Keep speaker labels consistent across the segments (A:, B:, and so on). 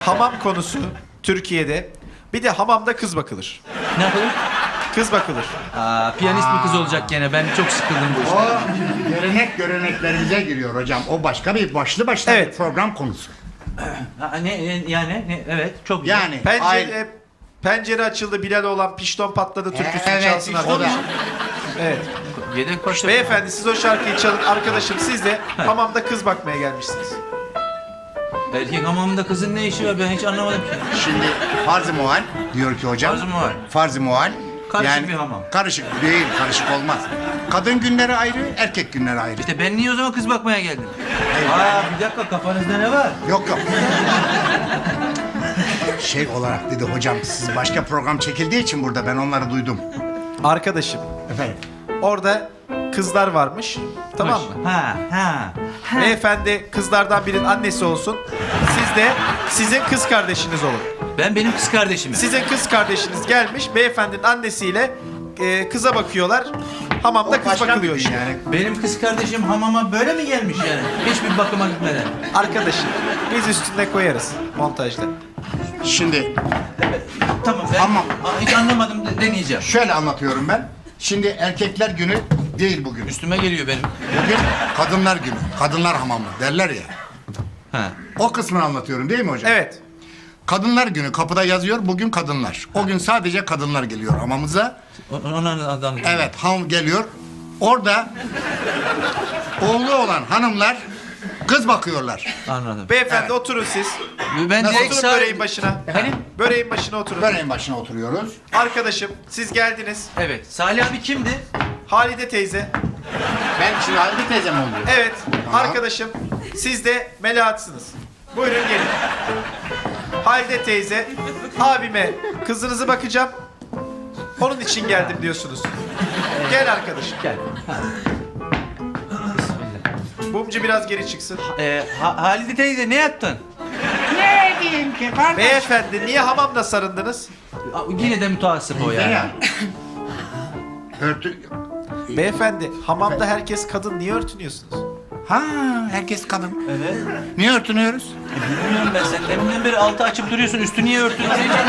A: hamam konusu Türkiye'de. Bir de hamamda kız bakılır.
B: Ne yapalım?
A: Kız bakılır.
B: Piyanist bir kız olacak gene. Ben çok sıkıldım bu
C: O
B: işten.
C: göreneklerimize giriyor hocam. O başka bir başlı başına
A: Evet.
C: bir program konusu.
B: Evet, çok güzel.
C: Yani
A: Pencere açıldı, Bilal olan pişton patladı türküsünü
C: evet,
A: çalsın
C: işte o da.
A: arkadaşım. Evet.
B: Yedek başta...
A: Beyefendi siz o şarkıyı çalın. Arkadaşım siz de hamamda kız bakmaya gelmişsiniz.
B: Erkek hamamında kızın ne işi var ben hiç anlamadım ki.
C: Şimdi farz-ı muhal diyor ki hocam.
B: Farz-ı muhal.
C: Farz-ı muhal.
B: Karışık bir hamam.
C: Karışık değil, karışık olmaz. Kadın günleri ayrı, erkek günleri ayrı.
B: İşte ben niye o zaman kız bakmaya geldim? Bir dakika kafanızda ne var?
C: Yok. Şey olarak dedi hocam, siz başka program çekildiği için burada ben onları duydum.
A: Arkadaşım
C: Efendim?
A: orada kızlar varmış. Tamam mı?
B: Ha.
A: Beyefendi kızlardan birinin annesi olsun. Siz de sizin kız kardeşiniz olun.
B: Ben benim kız kardeşimim.
A: Sizin kız kardeşiniz gelmiş. Beyefendinin annesiyle kıza bakıyorlar. Hamamda kız bakılıyor işte.
C: Yani.
B: Benim kız kardeşim hamama böyle mi gelmiş yani? Hiçbir bakıma gitmeden.
A: Arkadaşım biz üstüne koyarız montajda.
C: Şimdi
B: Tamam ben
C: Hamam.
B: hiç anlamadım deneyeceğim.
C: şöyle anlatıyorum ben. Şimdi erkekler günü değil bugün.
B: Üstüme geliyor benim.
C: Bugün kadınlar günü. Kadınlar hamamı derler ya.
B: Ha.
C: O kısmını anlatıyorum değil mi hocam?
A: Evet.
C: Kadınlar günü kapıda yazıyor bugün kadınlar. O gün sadece kadınlar geliyor hamamıza.
B: Ona adam.
C: Evet ham geliyor. Orada oğlu olan hanımlar kız bakıyorlar.
B: Anladım.
A: Beyefendi
C: Evet.
A: oturun siz.
B: Ben direkt
A: Oturun böreğin başına.
B: Efendim?
A: Böreğin başına oturun.
C: Böreğin başına oturuyoruz.
A: Arkadaşım siz geldiniz.
B: Evet. Salih abi kimdi?
A: Halide teyze.
C: Ben şimdi Halide teyzem oluyor.
A: Evet.
C: Tamam.
A: Arkadaşım siz de Melahat'sınız. Buyurun gelin. Halide teyze abime kızınızı bakacağım. Onun için geldim diyorsunuz. Gel arkadaşım.
B: Gel. Bismillah.
A: Bumcu biraz geri çıksın.
B: Halide teyze ne yaptın?
C: Ne diyeyim ki kardeş?
A: Beyefendi niye hamamda sarındınız?
B: Yine de mütehassıp o yani.
C: Ya. Örtü...
A: Beyefendi hamamda herkes kadın, niye örtünüyorsunuz?
C: Ha, herkes kadın.
B: Evet.
C: Niye örtünüyoruz?
B: Bilmiyorum ben sen deminden beri altı açıp duruyorsun üstü niye örtün?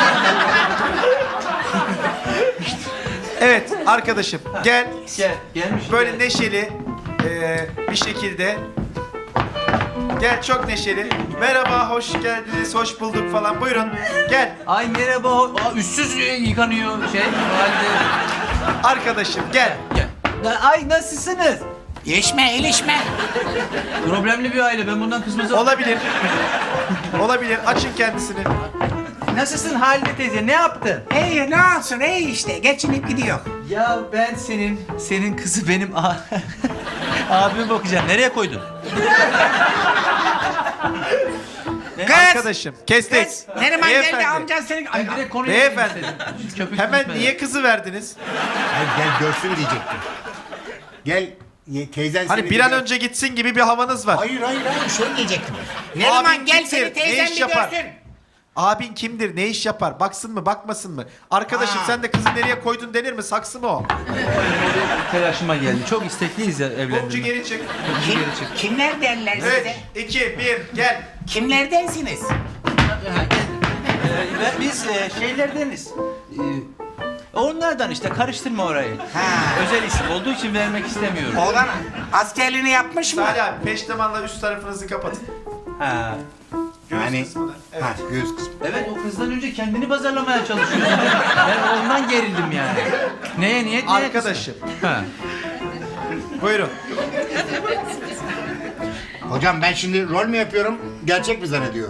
A: Evet arkadaşım gel.
B: Gelmiş.
A: Böyle neşeli bir şekilde. Gel çok neşeli. Merhaba, hoş geldiniz, hoş bulduk falan. Buyurun gel.
B: Ay merhaba. Üstsüz yıkanıyor halde.
A: Arkadaşım gel.
B: Gel. Ay nasılsınız?
C: İlişme.
B: Problemli bir aile. Ben bundan kızmaz.
A: Olabilir. Olabilir. Açın kendisini.
B: Nasılsın Halide teyze? Ne yaptın?
D: İyi ne olsun iyi işte geçinip gidiyor.
B: Ya ben senin kızı benim abime bakacağım. Nereye koydun?
D: Kız!
A: Arkadaşım kestik.
D: Kız! Neriman geldi
A: Beyefendi,
D: amcan senin... Ay,
B: Ben direkt konuya
A: Beyefendi.
B: girmek istedim. Köpük
A: Hemen
B: gitmeden.
A: niye kızı verdiniz?
C: Gel görsün diyecektim. Gel teyzen
A: Hani
C: seni
A: bir an
C: gör-
A: önce gitsin gibi bir havanız var.
C: Hayır şöyle diyecektim.
D: Neriman
A: Abin
D: gel
A: kimdir?
D: seni
A: Ne
D: teyzen
A: iş
D: bir
A: yapar?
D: görsün.
A: Abin kimdir? Ne iş yapar? Baksın mı, bakmasın mı? Arkadaşım
C: Ha.
A: sen de kızı nereye koydun denir mi? Saksı mı o?
B: Telaşıma geldi. Çok istekliyiz ya
A: Bumcu
B: evlendirme.
A: geri çık.
D: Kim, kimler derler
A: 3,
D: size?
A: 2, 1 gel.
D: Kimlerdensiniz?
B: Biz şeylerdeniz. Onlardan işte karıştırma orayı.
D: Ha.
B: Özel isim olduğu için vermek istemiyorum.
D: Oğlan askerliğini yapmış mı?
A: Salih abi peştemalla üst tarafınızı kapatın.
B: Ha.
A: Göğüs
C: Yani-
A: kısmını. Evet.
C: Ha, göğüs kısmı.
B: Evet o kızdan önce kendini pazarlamaya çalışıyor. Ben ondan gerildim yani. Neye niyet neye
A: Arkadaşım.
B: kısmet? Ha.
A: Buyurun.
C: Hocam ben şimdi rol mü yapıyorum? Gerçek mi zannediyor?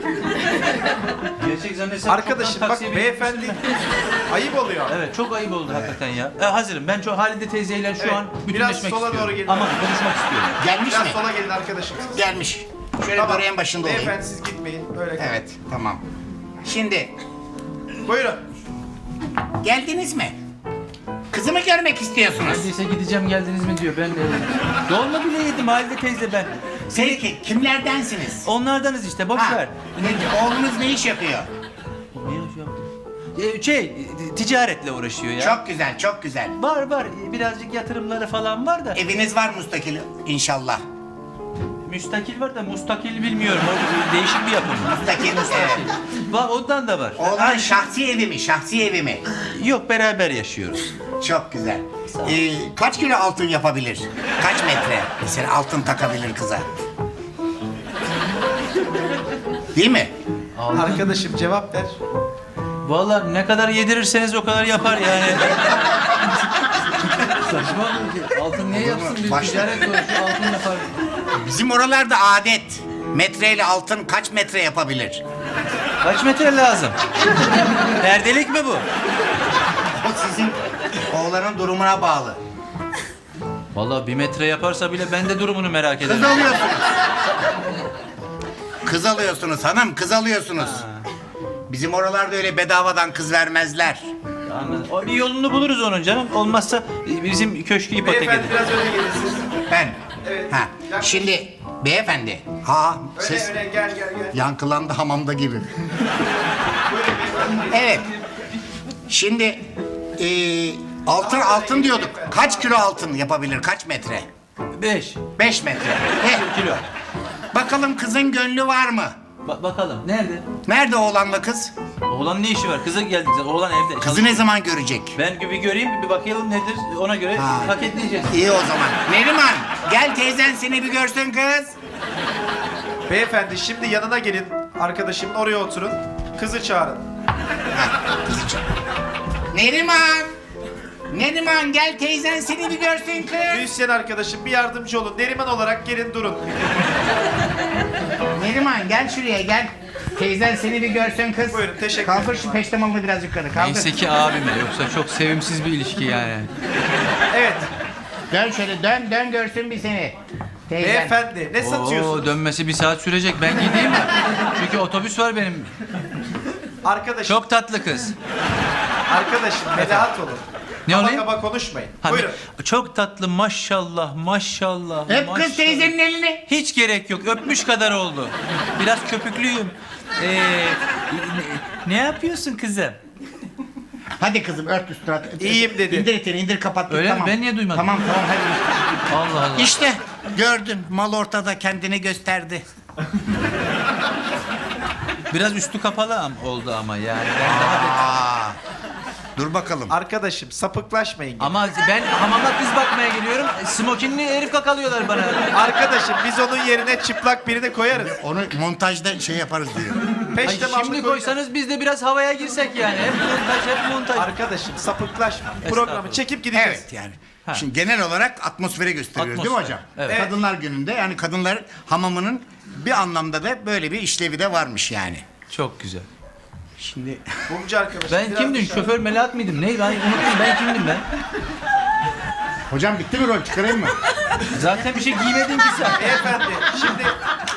B: Gerçek zannetsem
A: Arkadaşım
B: çoktan
A: bak
B: taksiye
A: beyefendi ayıp oluyor.
B: Evet çok ayıp oldu hakikaten ya. Hazırım. Ben çok Halide teyzeyle şu
A: Evet,
B: an
A: biraz
B: bütünleşmek
A: sola
B: istiyorum.
A: doğru gelin.
B: Ama konuşmak istiyorum.
C: Gelmiş
A: Biraz
C: mi?
A: sola gelin arkadaşım.
C: Gelmiş. Şöyle
A: Tamam.
C: böreğin başında olayım.
A: Beyefendi siz gitmeyin. Böyle kalın.
C: Evet, tamam.
D: Şimdi
A: Buyurun.
D: geldiniz mi? Kızımı görmek istiyorsunuz.
B: Neredeyse gideceğim geldiniz mi diyor. Ben de dolma bile yedim Halide teyze ben.
D: Peki kimlerdensiniz?
B: Onlardanız işte boş ver.
D: Oğlunuz ne iş yapıyor?
B: Ne yapıyor? Ticaretle uğraşıyor ya.
D: Çok güzel çok güzel.
B: Var birazcık yatırımları falan var da.
D: Eviniz var müstakil inşallah.
B: Müstakil var da mustakil bilmiyorum. O değişik bir yapım.
D: Müstakil, evet.
B: Var, ondan da var.
D: Oğlan şahsi evi mi? Şahsi evi mi?
B: Yok, beraber yaşıyoruz.
D: Çok güzel. Kaç kilo altın yapabilir? Kaç metre? Mesela altın takabilir kıza. Değil mi?
A: Arkadaşım cevap ver.
B: Vallahi ne kadar yedirirseniz o kadar yapar yani. Saçma mı? Altın niye yapsın? Bir
D: Başla.
B: ticaret sonuçta altın yapar.
D: Bizim oralarda adet. Metreyle altın kaç metre yapabilir?
B: Kaç metre lazım? Perdelik mi bu?
D: O sizin oğlanın durumuna bağlı.
B: Vallahi 1 metre yaparsa bile ben de durumunu merak
D: Kız
B: ederim.
D: alıyorsunuz. Kız alıyorsunuz hanım, kız alıyorsunuz. Bizim oralarda öyle bedavadan kız vermezler.
B: Anladım. O bir yolunu buluruz onun canım. Olmazsa bizim köşkü ipotek
A: Beyefendi
B: edin.
A: biraz öne gelin siz.
D: Ben.
A: Evet.
D: Ha. Şimdi beyefendi. Ha,
A: Öne
D: siz
A: öne gel gel gel.
C: Yankılandı hamamda gibi.
A: Buyurun beyefendi.
D: evet. Şimdi altın diyorduk. Kaç kilo altın yapabilir? Kaç metre?
B: 5
D: 5 metre.
B: kilo.
D: Bakalım kızın gönlü var mı?
B: Bakalım. Nerede?
D: Nerede oğlanla kız?
B: Oğlan ne işi var? Kızı geldi. Oğlan evde.
D: Kızı ne zaman görecek?
B: Ben bir göreyim, bir bakayım nedir. Ona göre
D: Ha.
B: paketleyeceğiz.
D: İyi o zaman. Neriman gel teyzen seni bir görsün kız.
A: Beyefendi şimdi yanına gelin. Arkadaşımın oraya oturun. Kızı çağırın.
D: Kızı çağır. Neriman. Neriman gel teyzen seni bir görsün kız.
A: Müzisyen arkadaşım bir yardımcı olun. Neriman olarak gelin durun.
D: Neriman gel şuraya gel. Teyzen seni bir görsün kız.
A: Buyurun, teşekkür
D: Kaldır
A: ederim.
D: şu peştemalını biraz yukarı kaldır.
B: Neyse ki abime, yoksa çok sevimsiz bir ilişki yani.
A: Evet.
D: Dön şöyle dön görsün bir seni. Teyzen.
A: Beyefendi ne satıyorsunuz?
B: Oo, dönmesi 1 saat sürecek. Ben gideyim mi? Çünkü otobüs var benim.
A: Arkadaşım,
B: Çok tatlı kız.
A: arkadaşım melahat olun.
B: Ne
A: Kaba
B: olayım?
A: kaba konuşmayın.
B: Ha,
A: Buyurun.
B: çok tatlı, maşallah, maşallah.
D: Öp
B: maşallah.
D: kız teyzenin elini.
B: Hiç gerek yok. Öpmüş kadar oldu. Biraz köpüklüyüm. Ne yapıyorsun kızım?
D: Hadi kızım ört üstüne.
A: İyiyim dedi.
D: İndir etini indir kapat.
B: Öyle mi?
D: tamam.
B: Ben niye duymadım?
D: Tamam hadi.
B: Allah Allah.
D: İşte gördün mal ortada kendini gösterdi.
B: Biraz üstü kapalı oldu ama yani. Ben daha
C: Dur bakalım.
A: Arkadaşım sapıklaşmayın.
B: Ama ben hamama kız bakmaya geliyorum. Smokinli herif kakalıyorlar bana.
A: Arkadaşım biz onun yerine çıplak birini koyarız.
C: Onu montajda şey yaparız diyor.
B: Ay,
A: Peştemallı
B: şimdi
A: koyacağız.
B: koysanız biz de biraz havaya girsek yani. Hep montaj, hep montaj.
A: Arkadaşım sapıklaşma. Programı çekip gideceğiz.
C: Evet yani. Şimdi genel olarak atmosferi gösteriyoruz değil mi
B: Atmosfer,
C: hocam?
B: evet.
C: Kadınlar gününde yani kadınlar hamamının bir anlamda da böyle bir işlevi de varmış yani.
B: Çok güzel.
C: Şimdi
A: Mumcu arkadaşım.
B: Ben
A: biraz
B: kimdim?
A: dışarı-
B: Şoför Melahat mıydım? Ne? Ben unuttum. Ben kimdim ben?
C: hocam bitti mi rol çıkarayım mı?
B: Zaten bir şey giymedin ki sen.
A: Beyefendi şimdi